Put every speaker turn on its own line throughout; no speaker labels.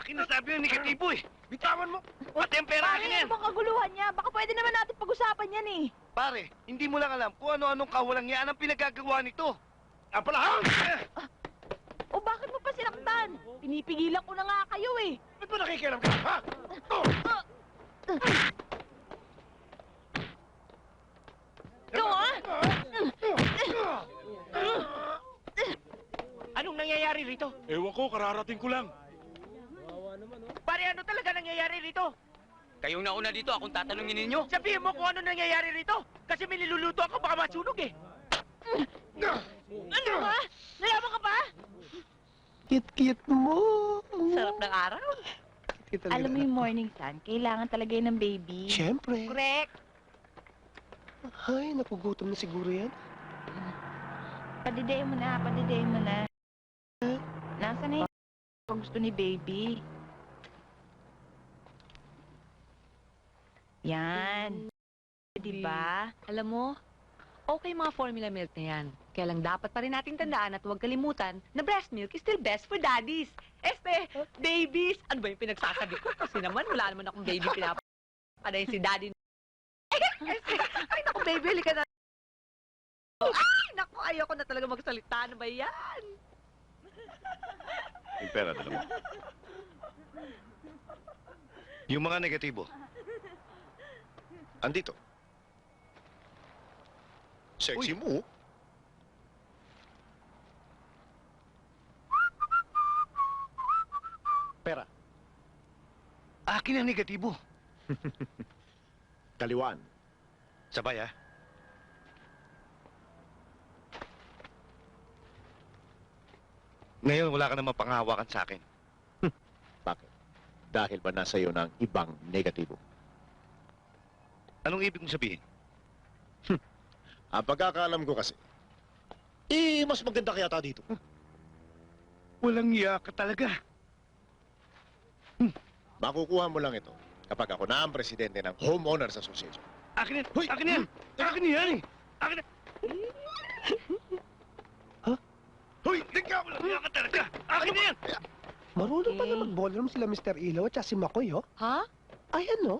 Akin na sabi yung negatibo eh. Bitawan mo. Pati ang pera akin yan.
Ano bang kaguluhan niya? Baka pwede naman natin pag-usapan yan eh.
Pare, hindi mo lang alam kung ano-anong kawalang yan ang pinagagawa nito. Apalahan!
O bakit mo pa sinaktan? Pinipigilan ko na nga kayo eh.
Ba't mo nakikialam ka, ha?
Ikaw ah!
Anong nangyayari rito?
Ewan ko, kararating ko lang.
Pare, ano talaga nangyayari rito?
Kayong nauna dito, akong tatanungin ninyo.
Sabihin mo kung ano nangyayari rito. Kasi may niluluto ako, baka masunog eh.
Ano ba? Nalaman ka pa?
Kit-kit mo.
Sarap ng araw. Alam mo yung morning sun, kailangan talaga yun ng baby.
Siyempre.
Correct.
Ay, napugutom na siguro yan.
Padidayin mo na, padidayin mo na. Nasaan na yung gusto ni baby? Yan. Diba?
Alam mo, okay mga formula milk na yan. Kaya lang dapat pa rin nating tandaan at huwag kalimutan na breast milk is still best for daddies. Babies! Ano ba yung pinagsasabi ko? Kasi naman, wala naman akong baby pinapadayin si daddy. Ay, naku, baby, halika na. Ay, naku, ayoko na talaga magsalita. Ano ba yan?
Yung pera, dala mo. Yung mga negatibo. Andito. Sexy mo.
Pera.
Akin ang negatibo.
Kaliwan.
Sabay, ah. Ngayon, wala ka namang panghawakan sa akin.
Bakit? Dahil ba nasa iyo ng ibang negatibo?
Anong ibig mong sabihin?
Ang pagkakaalam ko kasi, mas maganda kaya ta dito.
Walang iya ka talaga.
Makukuha mo lang ito kapag ako na ang presidente ng Homeowners Association.
Akin yan! Hoy! Akin yan! Akin yan eh! Akin yan! Hoy! Tingka mo lang! Iya ka talaga! Akin na yan!
Marunong pala mag-ballroom sila Mr. Ilaw at si Makoy, oh.
Ha?
Ayan, no?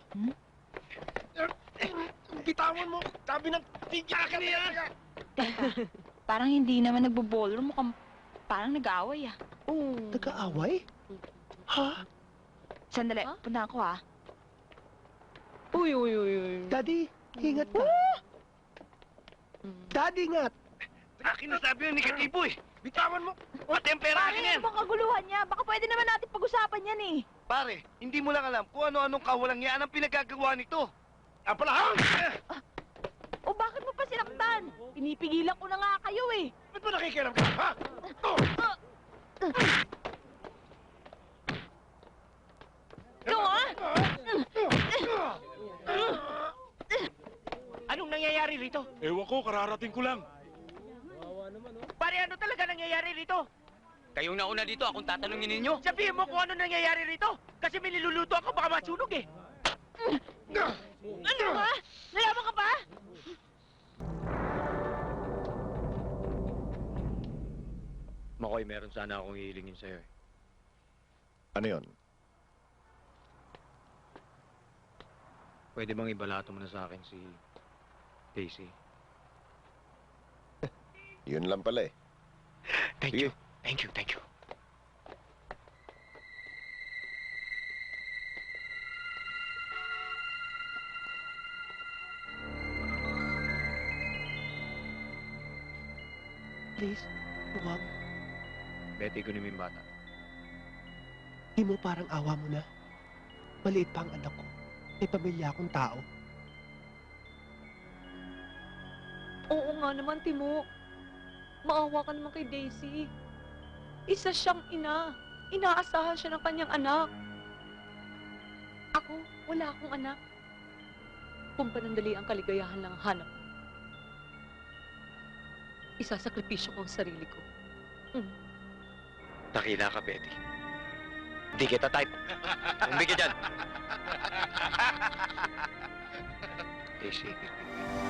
Bitawan mo! Sabi ng tingka! Akin na yan!
Parang hindi naman nagbo-ballroom. Mukhang parang nag-aaway ah.
Nag-aaway? Ha?
Sandali,
Huh?
punta ako ah.
Uy.
Daddy, ingat ka. Daddy, ingat.
Akin na sabi yung negatibo eh! Bitawan mo! Pati ang pera akin yan!
Ano bang kaguluhan niya? Baka pwede naman natin pag-usapan yan eh.
Pare, hindi mo lang alam kung ano-anong kawalang yan ang pinagagawa nito. Apalahan!
O bakit mo pa sinaktan? Pinipigilan ko na nga kayo eh.
Ba't mo nakikialam ka, ha?
Ikaw ah!
Anong nangyayari rito?
Ewan ko, kararating ko lang.
Pare, ano talaga nangyayari rito?
Kayong nauna dito, akong tatanungin ninyo.
Sabihin mo kung ano nangyayari rito. Kasi may niluluto ako, baka masunog eh.
Ano ba? Nalaman ka pa?
Makoy, meron sana akong hihilingin sa'yo eh.
Ano yon?
Pwede bang ibalato mo na sa akin si Daisy?
Yun lang pala eh.
Thank
Sige.
you. Thank you, thank you.
Please, huwag.
Betty, kunin mo yung bata.
Di mo parang awa mo na. Maliit pa ang anak ko. May pamilya akong tao.
Oo nga naman, Timo. Maawa ka naman kay Daisy. Isa siyang ina. Inaasahan siya ng kanyang anak. Ako, wala akong anak. Kung panandali ang kaligayahan lang ang hanap. Isasakripisyo ko ang sarili ko.
Takila ka, Betty. Hindi kita type. Hindi ka dyan. Daisy,